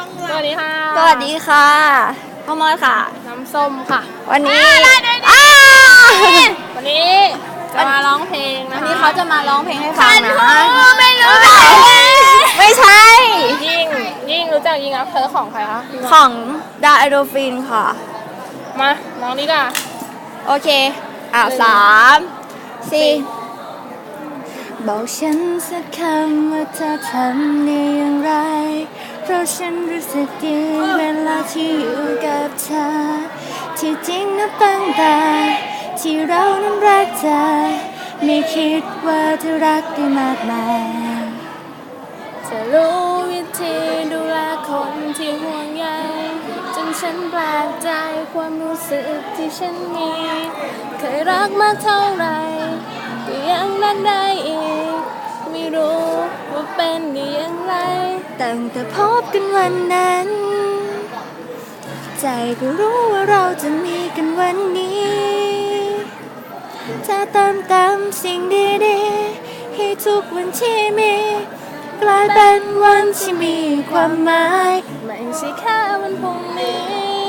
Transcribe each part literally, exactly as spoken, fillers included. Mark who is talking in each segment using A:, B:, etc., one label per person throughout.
A: สวัสดีค่ะ
B: สวัสดีค่ะพ่อมอดค่ะ
A: น้ำส้มค่ะ
B: วันนี้
A: อ้าวันนี้จะมาร้องเพลงนะ
B: วัน
A: คะ
B: นี้เขาจะมาร้องเพลงให้ฟังนะ
A: ไม่รู้
B: ไม่ใช่
A: ยิ่งยิ่งรู้จักยิ่งอัพเธอของใครคะ
B: ของดาไอโดฟินค่ะ
A: มาร้องดีกว่า
B: โอเค อ่ะสามสี่บอกฉันสักคำว่าเธอทำได้อย่างไร เพราะฉันรู้สึกดีเวลาที่อยู่กับเธอ ที่จริงนับตั้งแต่ที่เรานั้นรักเธอ ไม่คิดว่าเธอรักได้มากมาย
A: จะรู้วิธีดูแลคนที่ห่วงใยจนฉันแปลกใจความรู้สึกที่ฉันมี เคยรักมากเท่าไหร่ก็ยังรักได้อีก ไม่รู้ว่าเป็นได้อย่างไร
B: ตั้งแต่พบกันวันนั้น ใจก็รู้ว่าเราจะมีกันวันนี้ถ้าเติมเต็มสิ่งดีๆให้ทุกวันที่มีกลายเป็นวันที่มีความหมาย
A: ไม่ใช่แค่วันพรุ่งนี้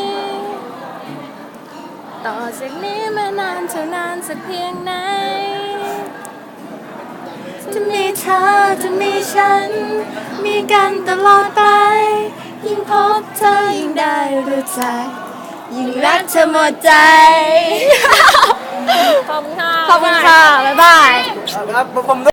A: ต่อจากนี้มานานเท่านานสักเพียงไหน
B: จะมีเธอจะมีฉัน มีกันตลอดไป ยิ่งพบเธอยิ่งได้รู้จัก ยิ่งรักเธอหมดใจ
A: ขอบคุณค่ะ
B: ขอบคุณค่ะ บ๊ายบาย
C: ครับผม